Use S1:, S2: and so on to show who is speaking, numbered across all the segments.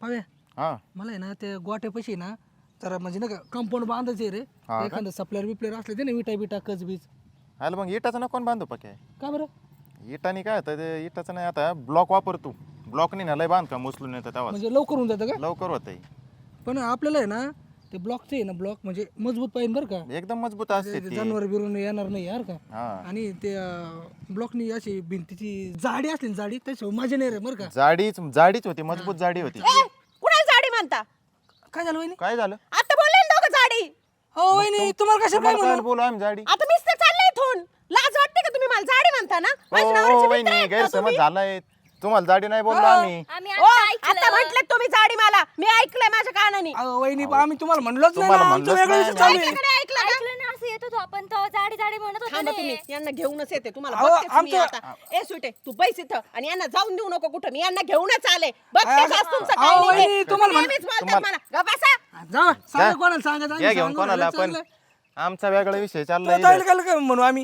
S1: पाव्या
S2: हा
S1: मला आहे ना ते गोट्यापाशी ना तर म्हणजे ना कंपाऊंड बांधायचे रे एखादं सप्लायर बिप्लेअर असले ते ना विटा बिटा कचबीज
S2: आलं मग इटाचं ना कोण बांधू पक्या
S1: का बरं
S2: इटानी काय होतं ते इटाचं नाही आता ब्लॉक वापरतो ब्लॉकनी ना लय बांधकाम उचलून येतं तेव्हा
S1: म्हणजे लवकर होऊन जातं का
S2: लवकर होतंय
S1: पण आपल्याला आहे ना ते ब्लॉकचे आहे ना ब्लॉक म्हणजे मजबूत पाहिजे बरं का
S2: एकदम मजबूत असते
S1: ते
S2: ती
S1: जनावर बिरून येणार नाही यार का
S2: हा
S1: आणि ते ब्लॉकनी अशी भिंतीची जाडी असली ना जाडी त्याच्यावर मजा नाही रे बरं का
S2: जाडीच होती मजबूत जाडी होती
S3: कुणाला जाडी म्हणता
S1: काय झालं वहिनी
S2: काय झालं
S3: आता बोलले ना दोघं जाडी
S1: हो वहिनी तुम्हाला कशा काय
S2: तुम्हाला काय बोलू आम्ही जाडी
S3: आता मीच तर चाललंय इथून लाज वाटते का तुम्ही मला जाडी म्हणता ना माझ्या
S2: ओ
S3: नवऱ्याचे मित्र
S2: वहिनी
S3: आहेत ना
S2: गैरसमज
S3: तुम्ही?
S2: झालाय तुम्हाला जाडी नाही बोललो आम्ही
S4: आम्ही
S3: ओ, आता म्हटलं तुम्ही जाडी मला मी ऐकलंय माझ्या कानाने
S1: वहिनी आम्ही तुम्हाला म्हणलोच नाही
S2: तुम्हाला
S1: ना, आमचं
S2: म्हणलोच
S1: वेगळं
S2: नाही.
S1: विषय चालू आहे.
S3: माझ्याकडे ऐकलं का?
S4: ऐकलं ना असं येत होतो आपण तर जाडी जाडी म्हणत होतो
S3: थांबा
S4: ना.
S3: तुम्ही यांना घेऊनच येते तुम्हाला
S1: अहो,
S3: बघतेच मी
S1: आमचं-
S3: आता ए सुटे तू बैस इथं आणि यांना जाऊन देऊ नको कुठं मी यांना घेऊनच आले बघतेच
S1: अहो,
S3: आज तुमचं
S1: अहो,
S3: काही नाही
S1: वहिनी,
S3: हे.
S1: तुम्हाला
S3: तुम्ही नेहमीच बोलतात मला ग बसा
S1: जा सांगा
S2: जा.
S1: कोणाला सांगा
S2: या घेऊन कोणाला आपण आमचा वेगळा विषय चाललाय
S1: काय म्हणू आम्ही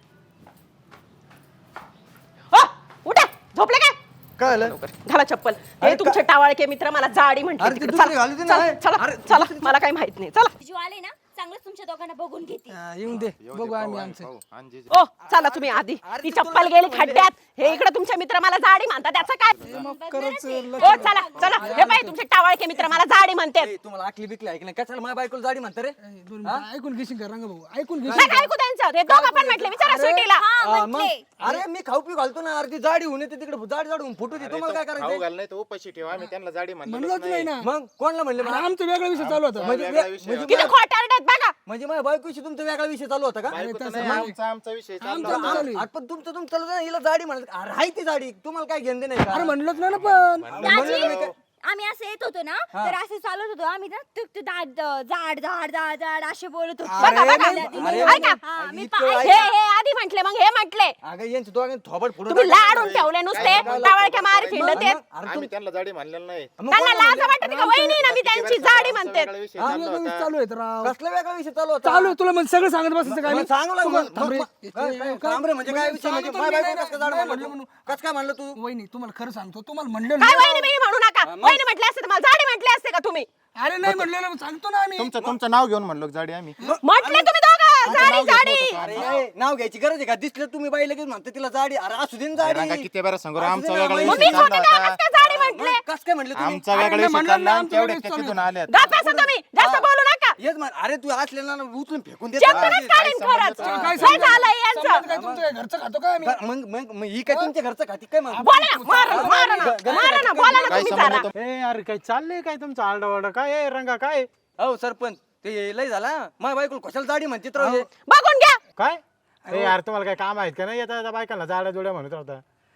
S3: हो उठा झोपले काय
S5: काय झालं?
S3: घाला चप्पल हे तुमचे टावाळके मित्र मला जाडी म्हटले
S5: अरे ते
S3: तिकडे.
S5: दुसरे
S3: चला,
S5: घालू दे ना.
S3: चला, चला,
S5: अरे
S3: चला मला काही माहित नाही चला
S4: जीव आले ना चांगलंच तुमच्या दोघांना बघून घेते.
S1: येऊन दे बघू आम्ही आमचं
S3: ओ चला तुम्ही आधी ती चप्पल गेली खड्ड्यात हे इकडे तुमचे मित्र मला जाडी म्हणतात त्याचं काय
S1: खरंच
S3: ओ चला चला हे बाई तुमचे टावाळके मित्र मला जाडी म्हणतात
S5: ए, तुम्हाला आकली बिकली ऐक नाही कशाला माझ्या बायकोला जाडी म्हणता रे
S1: दोन मिनिटं ऐकून घेशील का रंग भाऊ ऐकून घेशील
S3: नाही ऐकू त्यांचं ते दोघं पण म्हटले विचारा स्वीटीला
S5: मग अरे मी खाऊ पिऊ घालतो ना अर्धी जाडी होऊन येते तिकडे जाडी जाडी होऊन फुटू दे तुम्हाला काय करायचं
S2: घाल नाही तर उपाशी ठेवा आम्ही त्यांना जाडी
S1: म्हणलोच नाही ना
S5: मग कोणाला म्हणले
S1: अरे, आमचा वेगळा विषय चालू होता
S3: किती खोटारड्यात बघा
S5: म्हणजे माझ्या बायकोशी तुमचा वेगळा विषय चालू होता का
S2: आमचा विषय
S1: आमचं
S2: चालला
S1: चालू आहे.
S5: अरे पण तुमचं ना हिला जाडी म्हणत अरे हाय ती जाडी तुम्हाला काय घेणं नाही का
S1: अरे म्हणलोच नाही ना पण
S4: दाजी, आम्ही असं येत होतो ना तर असं चालत होतो आम्ही ना जाड जाड जाड जाड जाड असे बोलत होतो.
S3: बघा बघा
S5: अरे,
S3: ऐका
S4: हा, मी
S5: इतकं
S3: हे हे आधी म्हटले मग हे म्हटले
S5: अगं यांचं दोघांनी थोबड फोडून
S3: तुम्ही लाडून ठेवले नुसते टावळक्या मार खिंड ते
S2: आम्ही त्यांना जाडी म्हणलेलं नाही
S3: त्यांना लाज वाटते का वहिनी ना मी त्यांची जाडी म्हणते
S2: विषय
S1: वेगळा विषय चालू आहे राव
S5: कसला वेगळा विषय चालू होता
S1: चालू आहे तुला म्हणजे सगळं सांगत बसायचं काय
S5: मग सांगू लागलो मग.
S1: थांब रे.
S5: थांब रे, म्हणजे काय विषय म्हणजे
S1: सांगतो
S5: माझ्या
S1: मी,
S5: बायकोला कसं जाड
S1: नाही
S5: म्हणलं
S1: म्हणलं
S5: तू? कसं काय म्हणलं तू
S1: वहिनी तुम्हाला खरं सांगतो तुम्हाला म्हणलं
S3: काय
S1: नाही.
S3: वहिनी बिनी म्हणू नका वहिनी म्हटले असते तर मला जाडी म्हटले असते का तुम्ही
S1: अरे नाही म्हणलेलं सांगतो ना आम्ही
S2: तुमचं नाव घेऊन म्हणलो जाडी आम्ही
S3: म्हटले तुम्ही दोघं जाडी जाडी
S5: अरे नाव घ्यायची गरज आहे का दिसलं तुम्ही बाई लगेच म्हणते तिला जाडी अरे असू दे ना
S2: रंगा
S5: जाडी
S2: किती बरं सांगू रे, आमचा वेगळा
S3: मग
S2: विषय
S3: मी
S2: चालला
S3: छोटे
S2: होता
S3: का जाडी म्हटले
S5: कस काय म्हणले तुम्ही
S2: आमचा वेगळा विषय
S1: म्हणलं
S2: चालला
S1: ना,
S2: आणि
S1: आमचं
S2: तेवढे
S1: वेगळं
S2: तिथून आल्यात
S3: गप्प बसा तुम्ही जास्त बोलू नका
S5: येस मान अरे तू असलेला ना उचलून फेकून देत
S3: चेतनच काढीन खरंच काय झालंय यांचं
S1: काय तुमचं काय घरचं खातो काय आम्ही
S5: मग मग मग ही काय तुमच्या घरचं खाती काय मग
S3: बोला ना मारा ना बोला ना
S2: काय
S3: तुम्ही जरा
S2: संबंध
S6: ए अरे काय चाललंय काय तुमचं आरडाओरडा काय आहे रंगा काय
S5: हो सरपंच ते लय झाला माझ्या बायकोला कशाला जाडी म्हणते तर हे?
S3: बघून घ्या
S6: काय ए यार तुम्हाला काय काम आहेत का नाही येता बायकांना जाड्या जोड्या म्हणत राहता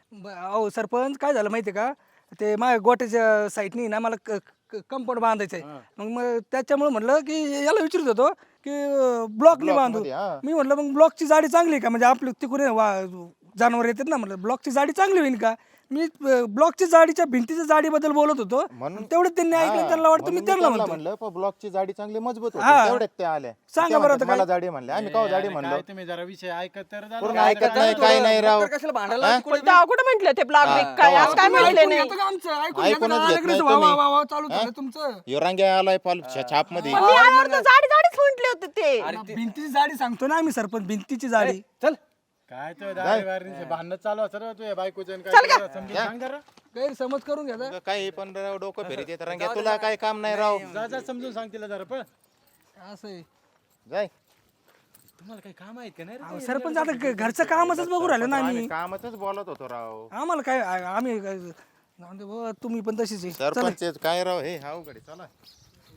S1: अहो सरपंच काय झालं माहितीये का ते माझ्या गोट्याच्या साईडनी ना मला कंपाऊंड बांधायचंय मग त्याच्यामुळे म्हणलं की याला विचारत होतो की ब्लॉकने बांधू
S2: मध्ये, हा.
S1: मी म्हटलं मग ब्लॉकची जाडी चांगली आहे का म्हणजे आपली तिकडे जनावर येतात ना म्हटलं ब्लॉकची जाडी चांगली होईल का मी ब्लॉकची जाडीच्या भिंतीच्या जाडीबद्दल बोलत होतो
S2: म्हणून-
S1: तेवढं त्यांनी ऐकलं त्यांना वाटतं मी त्यांना म्हणतो
S2: म्हणलं ब्लॉकची जाडी चांगली मजबूत होती
S1: हा.
S2: तेवढ्यात ते आल्या
S1: सांगा
S2: ते
S1: बरं
S2: म्हणतात,
S1: आता
S2: मला
S1: काय?
S2: जाडी म्हणले आम्ही का जाडी म्हणलो
S6: काय तुम्ही जरा विषय ऐकत तर झालं.
S2: पूर्ण ऐकत नाही काय नाही राव
S5: तर कशाला भांडायला तिकडे
S3: पण कुठं म्हटलं ते ब्लॉग बिग काय आज काय म्हटले
S1: ऐकून
S3: नाही
S1: घेता का आमचं? ऐकून
S2: ऐकूनच
S1: घेता का?
S2: घेत नाही
S1: लगेच वा,
S2: तुम्ही.
S1: वा, वा, वा, चालू झालं तुमचं
S2: यो रांग्या आलाय पाल छाप मध्ये
S3: पण मी आल्यावर तर जाडी जाडीच म्हटले होते ते
S1: भिंतीची जाडी सांगतो ना आम्ही सरपंच भिंतीची जाडी
S5: चल
S6: काय तो भांडण चालू असं तू बायकोचं आणि काय तुला समजून सांग जरा
S1: गैरसमज करून घ्या
S2: काही पण राव डोकं फेरीत येत रांग्या तुला काय काम नाही राव
S6: जा जा समजून सांग तिला जरा पण
S1: असं आहे.
S2: जाय
S6: तुम्हाला काही काम आहेत का नाही रे?
S1: अहो, सरपंच आता घरचं कामच बघू राहिलो ना आम्ही
S2: आम्ही कामातच बोलत होतो राव
S1: आम्हाला काय आम्ही जाऊ दे बुवा, तुम्ही पण तशीच आहे.
S2: सरपंच काय राव हे अवघड आहे, चला